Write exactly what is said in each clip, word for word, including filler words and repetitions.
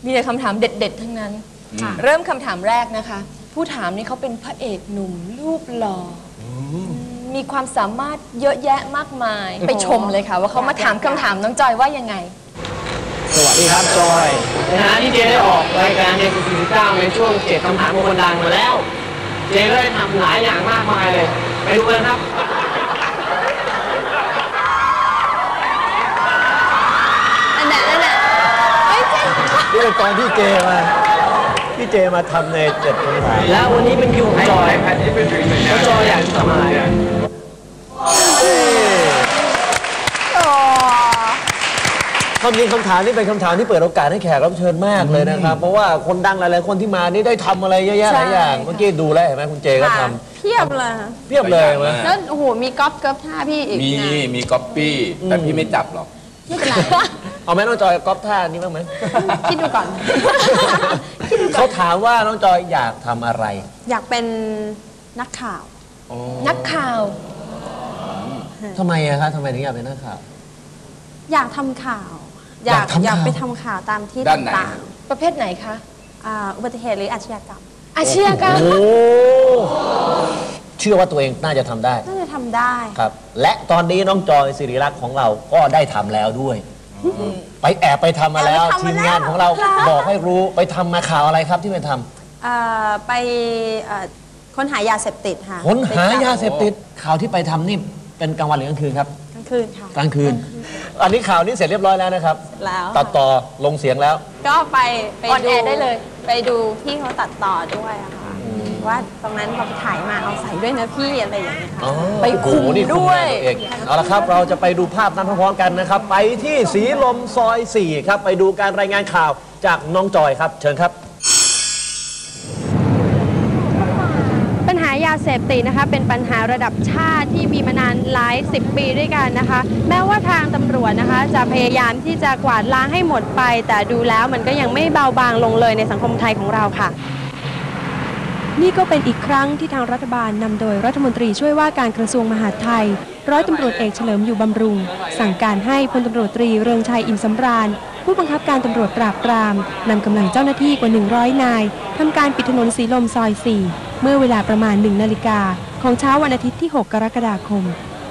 มีแต่คำถามเด็ดๆทั้งนั้นเริ่มคำถามแรกนะคะผู้ถามนี่เขาเป็นพระเอกหนุ่มรูปหล่อมีความสามารถเยอะแยะมากมายไปชมเลยค่ะว่าเขามาถามคำถามน้องจอยว่ายังไงสวัสดีครับจอยในฐานะที่เจได้ออกรายการเจสี่สิบเก้าในช่วงเจ็ดคำถามของคนดังมาแล้วเจได้ทำหลายอย่างมากมายเลยไปดูกันครับอันไหนอันไหนไม่ใช่นี่เป็นตอนที่เจมาพี่เจมาทำในเจ็ดคำถามแล้ววันนี้เป็นคิวของจอยแล้วจอยอยากทำอะไรความจริงคำถามนี่เป็นคำถามที่เปิดโอกาสให้แขกรับเชิญมากเลยนะครับเพราะว่าคนดังหลายๆคนที่มานี่ได้ทำอะไรเยอะแยะหลายอย่างเมื่อกี้ดูแล้วเห็นไหมคุณเจก็ทำเพียบเลยเพียบเลยมั้ยแล้วโอ้โหมีก๊อปก๊อปท่าพี่อีกมีมีก๊อปปี้แต่พี่ไม่จับหรอกไม่เป็นไรเอาไหมน้องจอยก๊อปท่านี้บ้างไหมคิดดูก่อนเขาถามว่าน้องจอยอยากทำอะไรอยากเป็นนักข่าวนักข่าวทำไมอะคะทำไมถึงอยากเป็นนักข่าวอยากทำข่าวอยากอยากไปทำข่าวตามที่ต่างๆประเภทไหนคะอุบัติเหตุหรืออาชญากรรมอาชญากรรมโอ้เชื่อว่าตัวเองน่าจะทำได้น่าจะทำได้ครับและตอนนี้น้องจอยศิริรักษ์ของเราก็ได้ทำแล้วด้วยไปแอบไปทำมาแล้วทีมงานของเราบอกให้รู้ไปทำมาข่าวอะไรครับที่ไปทำไปค้นหายาเสพติดค่ะค้นหายาเสพติดข่าวที่ไปทำนี่เป็นกลางวันหรือกลางคืนครับกลางคืนค่ะกลางคืนอันนี้ข่าวนี้เสร็จเรียบร้อยแล้วนะครับแล้วตัดต่อลงเสียงแล้วก็ไปไปดูได้เลยไปดูที่เขาตัดต่อด้วยอะค่ะว่าตรงนั้นพอไปถ่ายมาเอาใส่ด้วยนะพี่อะไรอย่างเงี้ยค่ะไปคุมด้วยเอาละครับเราจะไปดูภาพนั้นพร้อมๆกันนะครับไปที่สีลมซอยสี่ครับไปดูการรายงานข่าวจากน้องจอยครับเชิญครับปัญหายาเสพติดนะคะเป็นปัญหาระดับชาติที่มีมานานหลายสิบปีด้วยกันนะคะแม้ว่าทางตำรวจนะคะจะพยายามที่จะกวาดล้างให้หมดไปแต่ดูแล้วมันก็ยังไม่เบาบางลงเลยในสังคมไทยของเราค่ะนี่ก็เป็นอีกครั้งที่ทางรัฐบาลนำโดยรัฐมนตรีช่วยว่าการกระทรวงมหาดไทยร้อยตำรวจเอกเฉลิมอยู่บำรุงสั่งการให้พลตำรวจตรีเรืองชัยอิ่มสำราญผู้บังคับการตำรวจปราบปรามนำกำลังเจ้าหน้าที่กว่าหนึ่งร้อยนายทำการปิดถนนสีลมซอยสี่เมื่อเวลาประมาณหนึ่งนาฬิกาของเช้าวันอาทิตย์ที่หกกรกฎาคม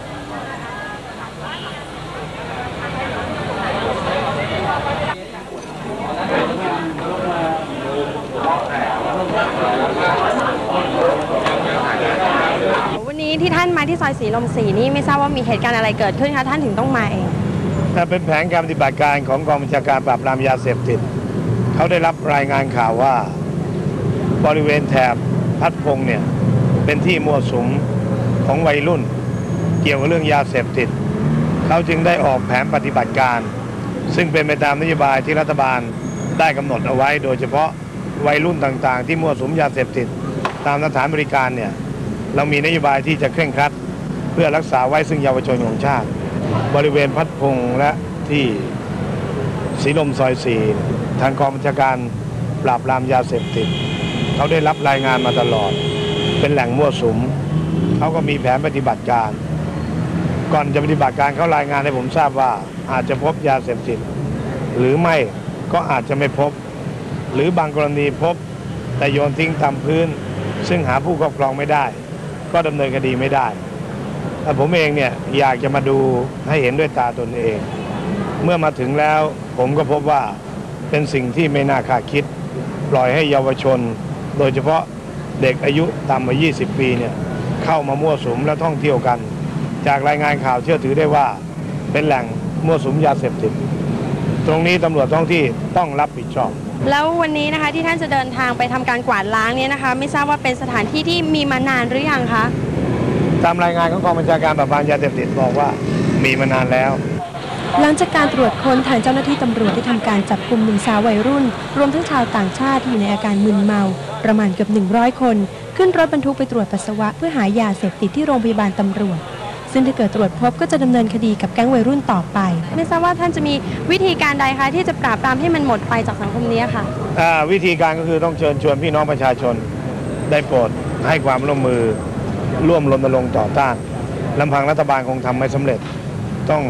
วันนี้ที่ท่านมาที่ซอยสีลมสี่นี่ไม่ทราบว่ามีเหตุการณ์อะไรเกิดขึ้นคะท่านถึงต้องมาเองเป็นแผนการปฏิบัติการของกองบัญชาการปราบปรามยาเสพติดเขาได้รับรายงานข่าวว่าบริเวณแถบพัดพงเนี่ยเป็นที่มั่วสุมของวัยรุ่นเกี่ยวกับเรื่องยาเสพติดเขาจึงได้ออกแผนปฏิบัติการซึ่งเป็นไปตามนโยบายที่รัฐบาลได้กำหนดเอาไว้โดยเฉพาะวัยรุ่นต่างๆที่มั่วสุมยาเสพติดตามสถานบริการเนี่ยเรามีนโยบายที่จะเคร่งครัดเพื่อรักษาไว้ซึ่งเยาวชนของชาติบริเวณพัดพงและที่สีลมซอยสี่ทางกองบัญชาการปราบปรามยาเสพติดเขาได้รับรายงานมาตลอดเป็นแหล่งมั่วสุมเขาก็มีแผนปฏิบัติการก่อนจะปฏิบัติการเขารายงานให้ผมทราบว่าอาจจะพบยาเสพติดหรือไม่ก็อาจจะไม่พบหรือบางกรณีพบแต่โยนทิ้งตามพื้นซึ่งหาผู้ครอบครองไม่ได้ก็ดำเนินคดีไม่ได้แต่ผมเองเนี่ยอยากจะมาดูให้เห็นด้วยตาตนเองเมื่อมาถึงแล้วผมก็พบว่าเป็นสิ่งที่ไม่น่าคาดคิดปล่อยให้เยาวชนโดยเฉพาะเด็กอายุต่ำกว่ายี่สิบปีเนี่ยเข้ามามั่วสุมและท่องเที่ยวกันจากรายงานข่าวเชื่อถือได้ว่าเป็นแหล่งมั่วสุมยาเสพติดตรงนี้ตำรวจท้องที่ต้องรับผิดชอบแล้ววันนี้นะคะที่ท่านจะเดินทางไปทำการกวาดล้างนี้นะคะไม่ทราบว่าเป็นสถานที่ที่มีมานานหรือยังคะตามรายงานของกองบัญชาการปราบปรามยาเสพติดบอกว่ามีมานานแล้วหลังจากการตรวจค้นทางเจ้าหน้าที่ตำรวจได้ทำการจับกุมหนึ่งสาววัยรุ่นรวมทั้งชาวต่างชาติที่อยู่ในอาการมึนเมาประมาณเกือบหนึ่งร้อยคนขึ้นรถบรรทุกไปตรวจปัสสาวะเพื่อหายาเสพติดที่โรงพยาบาลตำรวจซึ่งถ้าเกิดตรวจพบก็จะดำเนินคดีกับแก๊งวัยรุ่นต่อไปไม่ทราบว่าท่านจะมีวิธีการใดคะที่จะปราบปรามให้มันหมดไปจากสังคมนี้ค่ะวิธีการก็คือต้องเชิญชวนพี่น้องประชาชนได้โปรดให้ความร่วมมือร่วมรณรงค์ต่อต้านลำพังรัฐบาลคงทำไม่สำเร็จต้อง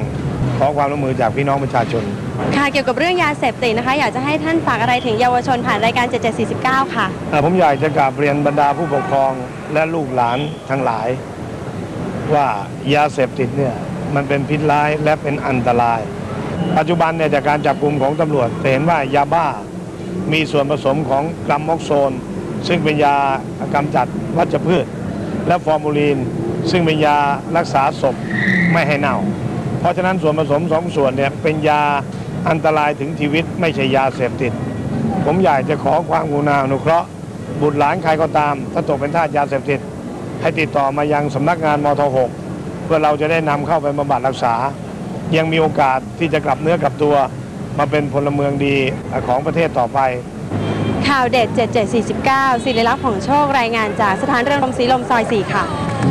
ขอความร่วมมือจากพี่น้องประชาชนค่ะเกี่ยวกับเรื่องยาเสพติดนะคะอยากจะให้ท่านฝากอะไรถึงเยาวชนผ่านรายการเจ็ดเจ็ดสี่สิบเก้าค่ะอ่าผมอยากจะกราบเรียนบรรดาผู้ปกครองและลูกหลานทั้งหลาย ว่ายาเสพติดเนี่ยมันเป็นพิษร้ายและเป็นอันตราย ปัจจุบันเนี่ยจากการจับกลุ่มของตำรวจจะเห็นว่ายาบ้ามีส่วนผสมของกรัมม็อกโซนซึ่งเป็นยากำจัดวัชพืช และฟอร์มูลีนซึ่งเป็นยารักษาศพไม่ให้เน่า เพราะฉะนั้นส่วนผสมสองส่วนเนี่ยเป็นยาอันตรายถึงชีวิตไม่ใช่ยาเสพติดผมอยากจะขอความกรุณาอนุเคราะห์บุตรหลานใครก็ตามถ้าตกเป็นทาสยาเสพติดให้ติดต่อมายังสำนักงานมทหกเพื่อเราจะได้นำเข้าไปบำบัดรักษายังมีโอกาสที่จะกลับเนื้อกลับตัวมาเป็นพลเมืองดีของประเทศต่อไปข่าวเด็ดเจ็ดเจ็ดสี่สิบเก้าศิริลักษณ์ของโชครายงานจากสถานเรือนรมศรีลมซอยสี่ค่ะ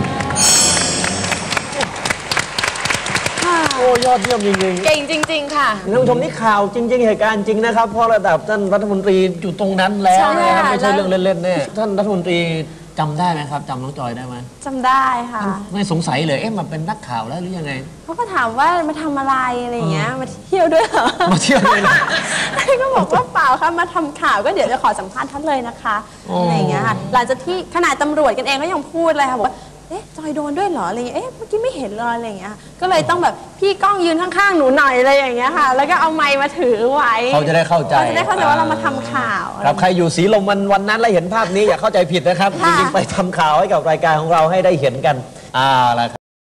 โอ้ยอดเยี่ยมจริงๆเก่งจริง ๆ ค่ะท่านผู้ชมนี่ข่าวจริง ๆ เหตุการณ์จริงนะครับเพราะระดับท่านรัฐมนตรีอยู่ตรงนั้นแล้วใช่นะครับค่ะไม่ใช่เรื่องเล่นๆแน่ท่านรัฐมนตรีจำได้ไหมครับจำน้องจอยได้ไหมจำได้ค่ะไม่สงสัยเลยเอ๊ะมันเป็นนักข่าวแล้วหรือยังไงเขาก็ถามว่ามาทำอะไรอะไรอย่างเงี้ยมาเที่ยวด้วยเหรอมาเที่ยวเลยนะก็บอกว่าเปล่าค่ะมาทำข่าวก็เดี๋ยวจะขอสัมภาษณ์ท่านเลยนะคะอ๋อออะไรอย่างเงี้ยค่ะหลังจากที่ขนาดตำรวจกันเองก็ยังพูดเลยค่ะบอกว่าเอ๊ะจอยโดนด้วยเหรออะไรอย่างเงี้ยเอ๊ะเมื่อกี้ไม่เห็นเลยอะไรอย่างเงี้ยก็เลยต้องแบบพี่ก้องยืนข้างๆหนูหน่อยอะไรอย่างเงี้ยค่ะ แล้วก็เอาไมค์มาถือไว้เขาจะได้เข้าใจเขาจะได้เข้าใจว่าเรามาทำข่าวครับใครอยู่สีลมวันวันนั้นแล้วเห็นภาพนี้อย่าเข้าใจผิดนะครับจค่ะริงๆไปทำข่าวให้กับรายการของเราให้ได้เห็นกันอ่าละครับ